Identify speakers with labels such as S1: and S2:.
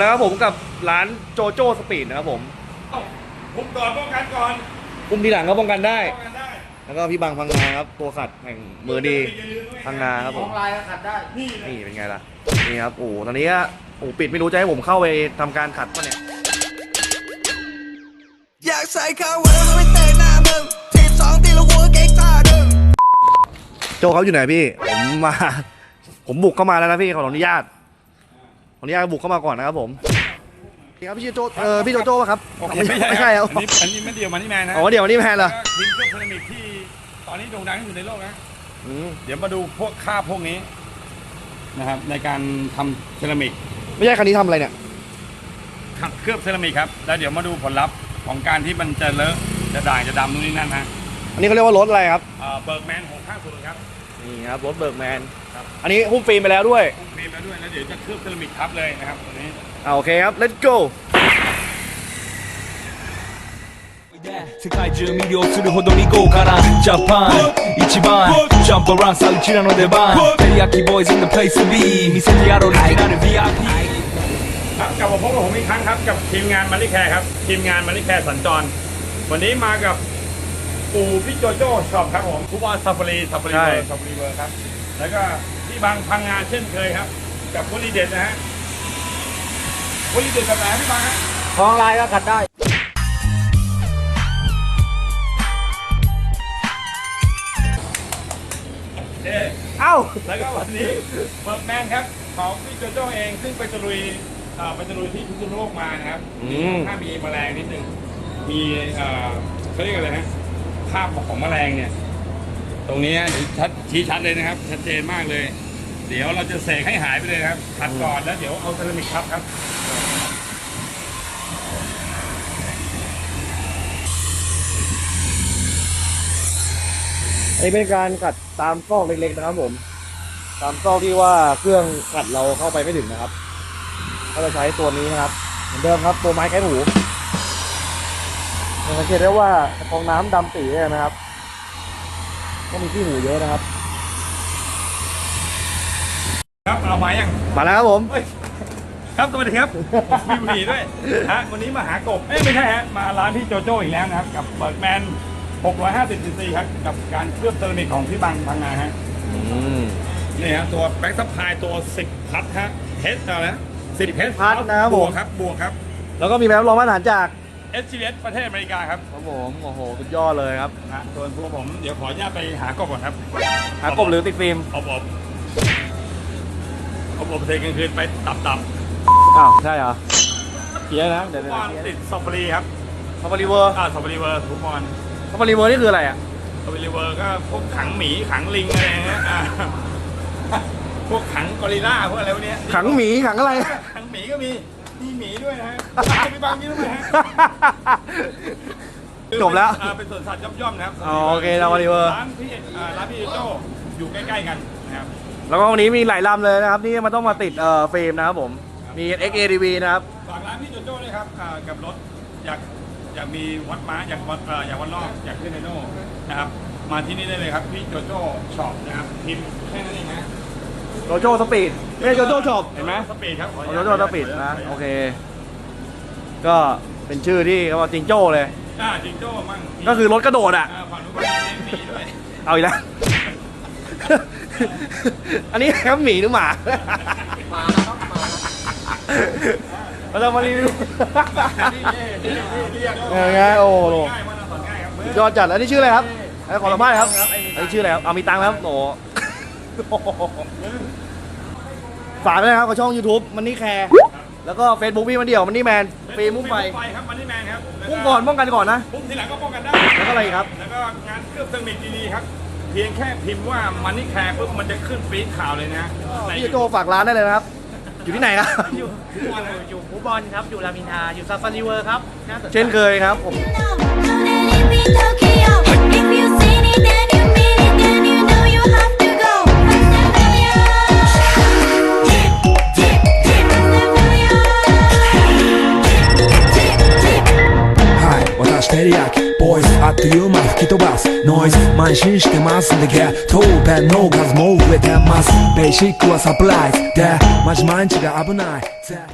S1: แล้วครับผมกับร้านโจโจ้สปีดนะครับผม
S2: คุมก่อนป้องกันก่อน
S1: คุมทีหลังก็ป้องกันได้
S2: ป้องกันได้
S1: แล้วก็พี่บังพังงาครับตัวขัดแห่งมือดีพังงาครับผม
S3: ลายขัดได้
S1: นี่เป็นไงล่ะนี่ครับโอ้ตอนนี้ปิดไม่รู้จะให้ผมเข้าไปทำการขัดป่ะเนี่ยอยากใส่ข้าวเวอร์ไม่เตะหน้ามึงทีม2ตีละหัวเก่งท่าดึงโจเขาอยู่ไหนพี่ผมบุกเข้ามาแล้วนะพี่ขออนุญาตบุกเข้ามาก่อนนะครับผมนี่ครับพี่โจพี่โจโจ้ป่ะครับไม่ใช่ครับ
S2: อันนี้ไม่เดียวมันนี่แมนนะ
S1: เดี๋ยวมันนี่แมนเหรอ
S2: ทีมเครื่องเซรามิกที่ตอนนี้โด่งดังที่สุดในโลกนะเดี๋ยวมาดูพวกค่าพวกนี้นะครับในการทำเซรามิก
S1: ไม่ใช่คันนี้ทำอะไรเนี่ย
S2: ขัดเคลือบเซรามิกครับแล้วเดี๋ยวมาดูผลลัพธ์ของการที่มันจะเลอะจะด่างจะดำนู่นนี่นั่นฮะ
S1: อันนี้เขาเรียกว่ารถอะไรครับ
S2: เบิร์กแมน650ครับ
S1: นี่ครับรถเบิร์กแมนอันนี้หุ้มฟิล์มไปแล้วด้วย
S2: หุ้มฟิล์มแล้วด้วยแล้วเดี๋ยวจะเคลือบเซรามิกทับเลยนะครับตัวนี้
S1: โอเคครับ let's go
S4: 世界中魅了するほどに豪華なジャパン一番ジャンプランさうちらの出番テリヤキボーイズ in the place to be 見せてやろうリジナル VIP
S2: ครับกลับมาพบกับผมอีกครั้งครับกับทีมงานมาริแคร์ครับทีมงานมาริแคร์สัญจรวันนี้มากับปู่พี่โจโจ้ช็อปครับผมผู้ว่าซาฟารีเวิร์ครับแล้วก็พี่บางพังงานเช่นเคยครับกับวลีเด็ดนะฮะวลีเด็ดแบบไหนพี่บางฮะ
S3: ทองลายก็ขัดได้
S2: แล้วก็วันนี้เบิร์กแมนครับของพี่โจโจ้เองซึ่งไปตะลุยที่พิษณุโลกมานะครับถ้ามีแมลงนิดนึงมีเขาเรียกอะไรนะภาพของแมลงเนี่ยตรงนี้ชี้ชัดเลยนะครับชัดเจนมากเลยเดี๋ยวเราจะเสกให้หายไปเลยครับขัดก่อนแล้วเดี๋ยวเอาเซรามิกครับ
S1: อันนี้เป็นการขัดตามซอกเล็กๆนะครับผมตามซอกที่ว่าเครื่องขัดเราเข้าไปไม่ถึงนะครับก็จะใช้ตัวนี้นะครับเหมือนเดิมครับตัวไม้แค่หูสังเกตได้ว่าฟองน้ำดำปีเลยนะครับก็มีที่หูเยอะนะครับ
S2: ครับเอามายัง
S1: มาแล้วครับผม
S2: ครับสวัสดีครับมีบุหรี่ด้วยฮะวันนี้มาหากบไม่ใช่ฮะมาร้านพี่โจโจ้อีกแล้วนะครับกับเบิร์กแมน650cc ครับกับการเคลือบเซรามิกของพี่บังพังงาฮะนี่ฮะตัวแบ็กซัพพลายตัว10พัทฮะเฮดอะไรนะ10
S1: พัทนะครับผม
S2: บวกครับ
S1: แล้วก็มีแบบรองมาตรฐานจาก
S2: SGS ประเทศอเมริกาครับ
S1: ผมโอ้โหสุดยอดเลยครับ
S2: ส่วนพวกผมเดี๋ยวขออนุญาตไปหากบก่อนครับ
S1: หากบหรือติดฟิล์ม
S2: อบเทกลางคืนไปตับ
S1: ใช่เหรอเกียร์นะเดี๋ยว
S2: ติดซอฟฟารีครับ
S1: ซอฟฟารีเวอร์
S2: ซอฟฟารีเวอร์ทุกคน
S1: ซอฟฟารีเวอร์นี่คืออะไรอ่ะ
S2: ซอฟฟารีเวอร์ก็พวกขังหมีขังลิงอะไรเงี้ยพวกขังกอริลลาพวกอะไรพวกนี้
S1: ขังหมีขังอะไร
S2: ขังหมีก็มีหมีด้วยนะฮะมีบางยี่ด้วยฮะ
S1: จบแล้ว
S2: เป็นสวนสัตว์ย่อมๆนะครับ
S1: โอเคซอฟฟารีเวอร์
S2: ร้านพี่โจอยู่ใกล้ๆกันนะครับ
S1: แล้วก็วันนี้มีหลายลำเลยนะครับที่มันต้องมาติดเฟรมนะครับผมมี XADV นะครับ
S2: ฝากร้านพี่โจโจ้ด้วยครับกับรถอยากมีวัดม้าอยากวัดรอบอยากขึ้นไดโน่นะครับมาที่นี่ได้เลยครับพี่โจโจ้ช็อปนะครับพิมพ์แค่นั้นเองนะ
S1: โจโจ้สปีดไม่ใช่โจโจ้ช็อป
S2: เห็นไหมสปีดครับ
S1: โจโจ้สปีดนะโอเคก็เป็นชื่อที่เขาว่าจิงโจ้เลย
S2: จิงโจ้มั่ง
S1: ก็คือรถกระโดดอ่ะ
S2: ฝั่งนู้นเป็นหมีด้วย
S1: เอาอีกแล้วอันนี้ครับหมีหรือหมาเราจะมารีวิวง่ายโอ้โหยอดจัดแล้วนี่ชื่ออะไรครับขอสัมภาษณ์ครับอันนี้ชื่ออะไรครับเอามีตังค์แล้วโอ้ฝากด้วยนะครับกับช่อง YouTube มันนี่แคร์แล้วก็ Facebook พี่มันเดี่ยวมันนี่แมนฟีมุ่งไฟ
S2: ครับมันนี่แมนครับ
S1: พุ่งก่อนป้องกันก่อนนะ
S2: พุ่งทีหลังก็ป้องกันได้
S1: แล้วก็อะไรครับ
S2: แล้วก็งานเคลือบเซรามิกดีๆครับเพียงแค่พิมพ์ว่ามันนี่แคร์ปุ๊บมันจะขึ้นฟีดข่าวเลยนะ
S1: พี่โจฝากร้านได้เลยนะครับอยู่ที่ไหนครับ
S3: อยู่ฟูบอลครับอยู่รามอินทราอยู่ซาฟารีเวิร์ครับ
S1: เช่นเคยครับผม
S4: テリヤキボーイズあっという間吹き飛ばすノイズ慢心してますんでゲットペンの数も増えてますベーシックはサプライズでマジ毎日が危ない